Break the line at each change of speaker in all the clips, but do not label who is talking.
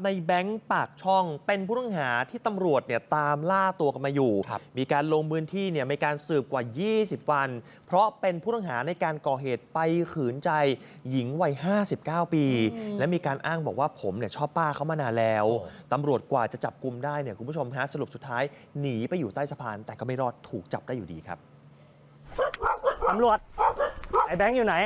ในแบงค์ปากช่องเป็นผู้ต้องหาที่ตำรวจเนี่ยตามล่าตัวกันมาอยู่มีการลงพื้นที่เนี่ยมีการสืบกว่า 20 วันเพราะเป็นผู้ต้องหาในการก่อเหตุไปขืนใจหญิงวัย 59 ปี และมีการอ้างบอกว่าผมเนี่ยชอบป้าเขามานานแล้วตำรวจกว่าจะจับกุมได้เนี่ยคุณผู้ชมฮะสรุปสุดท้ายหนีไปอยู่ใต้สะพานแต่ก็ไม่รอดถูกจับได้อยู่ดีครับ
ตำรวจไอ้แบงค์อยู่ไหน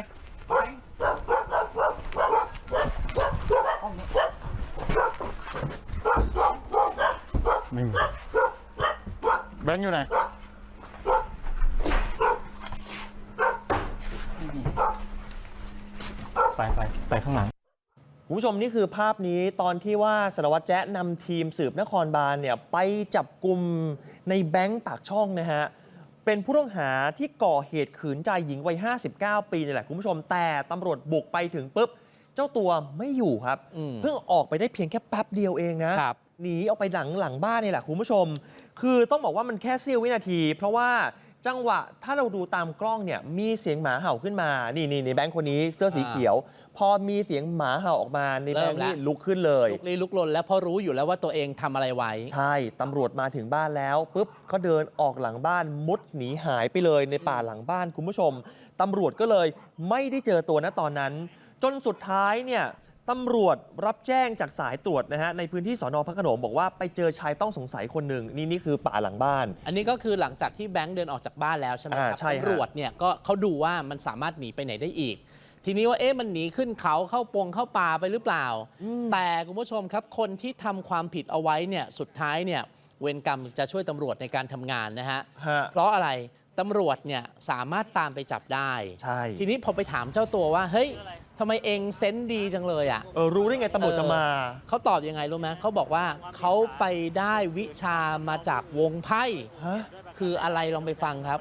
ไม่มีแบงค์อยู่ไหนไปข้างหลัง
คุณผู้ชมนี่คือภาพนี้ตอนที่ว่าสารวัตรแจ๊ะนำทีมสืบนครบาลเนี่ยไปจับกุมในแบงค์ปากช่องนะฮะเป็นผู้ต้องหาที่ก่อเหตุขืนใจหญิงวัย 59 ปีนี่แหละคุณผู้ชมแต่ตำรวจบุกไปถึงปุ๊บเจ้าตัวไม่อยู่ครับเพิ่งออกไปได้เพียงแค่แป๊บเดียวเองนะหนีออกไปหลังบ้านนี่แหละคุณผู้ชมคือต้องบอกว่ามันแค่เสี้ยววินาทีเพราะว่าจังหวะถ้าเราดูตามกล้องเนี่ยมีเสียงหมาเห่าขึ้นมานี่แบงค์คนนี้เสื้อสีเขียวพอมีเสียงหมาเห่าออกมาในแบงค์นี่ลุกขึ้นเลย
ลุกลนแล้วเพราะรู้อยู่แล้วว่าตัวเองทำอะไรไว้
ใช่ตำรวจมาถึงบ้านแล้วปุ๊บเขาเดินออกหลังบ้านมุดหนีหายไปเลยในป่าหลังบ้านคุณผู้ชมตำรวจก็เลยไม่ได้เจอตัวณตอนนั้นจนสุดท้ายเนี่ยตำรวจรับแจ้งจากสายตรวจนะฮะในพื้นที่สน.พระโขนงบอกว่าไปเจอชายต้องสงสัยคนหนึ่งนี่คือป่าหลังบ้าน
อันนี้ก็คือหลังจากที่แบงค์เดินออกจากบ้านแล้วใช่ไหมครับตำรวจเนี่ยก็เขาดูว่ามันสามารถหนีไปไหนได้อีกทีนี้ว่ามันหนีขึ้นเขาเข้าป่าไปหรือเปล่าแต่คุณผู้ชมครับคนที่ทำความผิดเอาไว้เนี่ยสุดท้ายเนี่ยเวรกรรมจะช่วยตำรวจในการทำงานนะฮะเพราะอะไรตำรวจเนี่ยสามารถตามไปจับได้ทีนี้พอไปถามเจ้าตัวว่าเฮ้ยทำไมเองเซนส์ดีจังเลยอ่ะ
รู้ได้ไงตำรวจจะมา
เขาตอบยังไงรู้ไหมเขาบอกว่าเขาไปได้วิชามาจากวงไพ่คืออะไรลองไปฟังครับ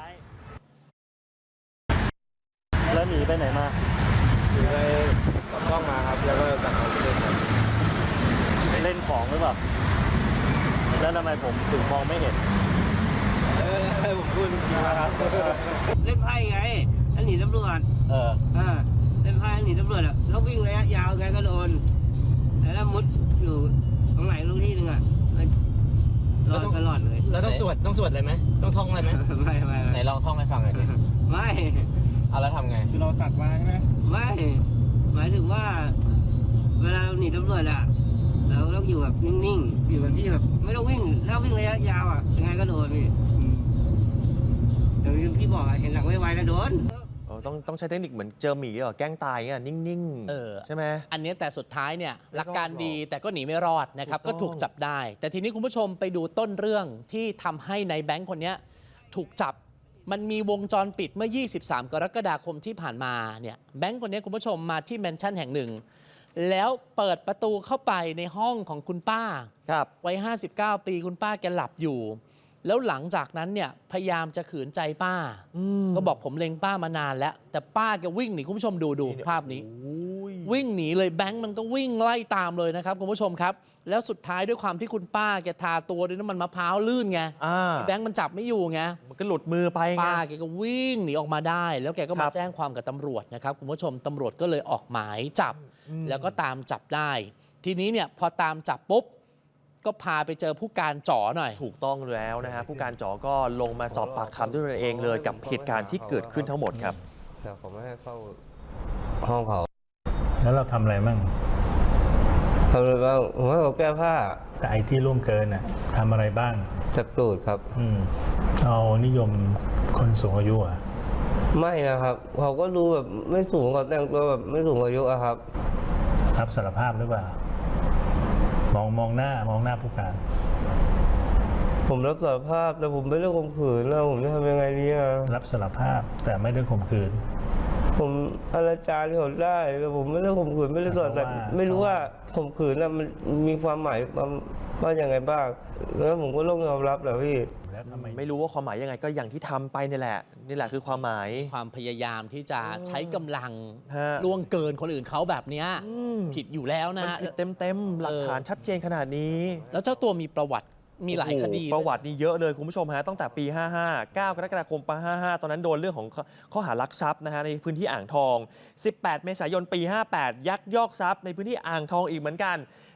แล้วหนีไปไหนมา
หนีไปกับกล้องมาครับแล้วก็กลับมาเล่นครับ
เล่นของหรือเปล่าแล้วทำไมผมถึงมองไม่เห็น
ผมพูดจริงๆนะครับ
เล่นไพ่ไงแล้วหนีตำรวจเล่นไพ่แล้วหนีตำรวจอ่ะแล้ววิ่งระยะยาวไงก็โดนแล้วมุดอยู่ตรงไหนตรงที่หนึ่งอ่ะรอดก็รอดเลย
แล้วต้องสวดอะไรไหมต้องท่องอะไรไหม
ไม่
ไหนลองท่องให้ฟังหน่อยดิ
ไม่
เอาแล้วทำไง
คือเราสักมาใช่ไหม
ไม่หมายถึงว่าเวลาเราหนีตำรวจอ่ะเราต้องอยู่แบบนิ่งๆอยู่แบบที่แบบไม่ต้องวิ่งถ้าวิ่งระยะยาวอ่ะยังไงก็โดนพี่เดี๋ยวพี่บอกเห็นหลังไวๆนะโดน
ต้องใช้เทคนิคเหมือนเจอหมีแกล้งตายเงี้ยนิ่งๆใช่ไหม
อันนี้แต่สุดท้ายเนี่ยหลักการดีแต่ก็หนีไม่รอดนะครับก็ถูกจับได้แต่ทีนี้คุณผู้ชมไปดูต้นเรื่องที่ทำให้ในแบงค์คนนี้ถูกจับมันมีวงจรปิดเมื่อ 23 กรกฎาคมที่ผ่านมาเนี่ยแบงค์คนนี้คุณผู้ชมมาที่แมนชั่นแห่งหนึ่งแล้วเปิดประตูเข้าไปในห้องของคุณป้าวัย 59 ปีคุณป้าแกหลับอยู่แล้วหลังจากนั้นเนี่ยพยายามจะขืนใจป้าก็บอกผมเล็งป้ามานานแล้วแต่ป้าแกวิ่งหนีคุณผู้ชมดูภาพนี้วิ่งหนีเลยแบงค์มันก็วิ่งไล่ตามเลยนะครับคุณผู้ชมครับแล้วสุดท้ายด้วยความที่คุณป้าแกทาตัวด้วยน้ำมันมะพร้าวลื่นไงแบงค์มันจับไม่อยู่ไง
มันก็หลุดมือไป
ป้าแกก็วิ่งหนีออกมาได้แล้วแกก็มาแจ้งความกับตำรวจนะครับคุณผู้ชมตำรวจก็เลยออกหมายจับแล้วก็ตามจับได้ทีนี้เนี่ยพอตามจับปุ๊บก็พาไปเจอผู้การจ๋อหน่อย
ถูกต้องแล้วนะฮะผู้การจ๋อก็ลงมาสอบปากคำด้วยตัวเองเลยกับเหตุการณ์ที่เกิดขึ้นทั้งหมดครับ
แต่ผมไม่ให้เข้าห้องเขา
แล้วเราทำอะไรมั่ง
ทำอะไรบ้างผมให้เขาแก้ผ้า
แต่ไอ้ที่ล่วงเกินน่ะทำอะไรบ้าง
จับตูดครับ
เอานิยมคนสูงอายุอ่ะ
ไม่นะครับเขาก็ดูแบบไม่สูงเขาแต่งตัวแบบไม่สูงอายุอะครับ
รับสารภาพหรือเปล่ามองหน้าผู้การ
ผมรับสารภาพแต่ผมไม่ได้ข่มขืนแล้วผมจะทำยังไงดีอะ
รับสารภาพแต่ไม่ได้ข่มขืน
ผมอนาจารเขาได้แต่ผมไม่ได้ข่มขืนไม่ได้สอดแต่ไม่รู้ว่าข่มขืนมันมีความหมายว่าอย่างไงบ้างแล้วผมก็ต้องยอมรับแหละพี่
ไม่รู้ว่าความหมายยังไงก็อย่างที่ทำไปนี่แหละคือความหมาย
ความพยายามที่จะใช้กำลังล่วงเกินคนอื่นเขาแบบนี้ผิดอยู่แล้วนะ
ผิดเต็มหลักฐานชัดเจนขนาดนี้
แล้วเจ้าตัวมีประวัติมีหลายคดี
ประวัตินี่เยอะเลยคุณผู้ชมฮะตั้งแต่ปี 55 9 กรกฎาคมปี55ตอนนั้นโดนเรื่องของข้อหารักทรัพย์นะฮะในพื้นที่อ่างทอง18 เมษายนปี 58ยักยอกทรัพย์ในพื้นที่อ่างทองอีกเหมือนกัน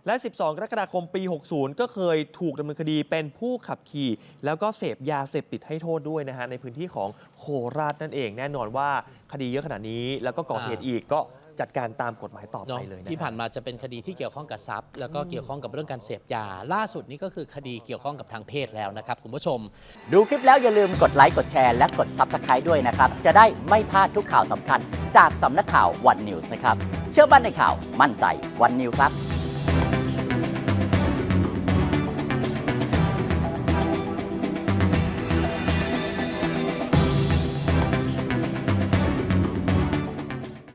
และ 12 กรกฎาคมปี 60 ก็เคยถูกดำเนินคดีเป็นผู้ขับขี่แล้วก็เสพยาเสพติดให้โทษด้วยนะฮะในพื้นที่ของโคราชนั่นเองแน่นอนว่าคดีเยอะขนาดนี้แล้วก็ก่อเหตุอีกก็จัดการตามกฎหมายต่อไปเลยนะ
ที่ผ่านมาจะเป็นคดีที่เกี่ยวข้องกับทรัพย์แล้วก็เกี่ยวข้องกับเรื่องการเสพยาล่าสุดนี้ก็คือคดีเกี่ยวข้องกับทางเพศแล้วนะครับคุณผู้ชม
ดูคลิปแล้วอย่าลืมกดไลค์กดแชร์และกด Subscribe ด้วยนะครับจะได้ไม่พลาดทุกข่าวสำคัญจากสำนักข่าววันนิวส์นะครับเชื่อมั่นในข่าวมั่นใจวันนิวส์ครับ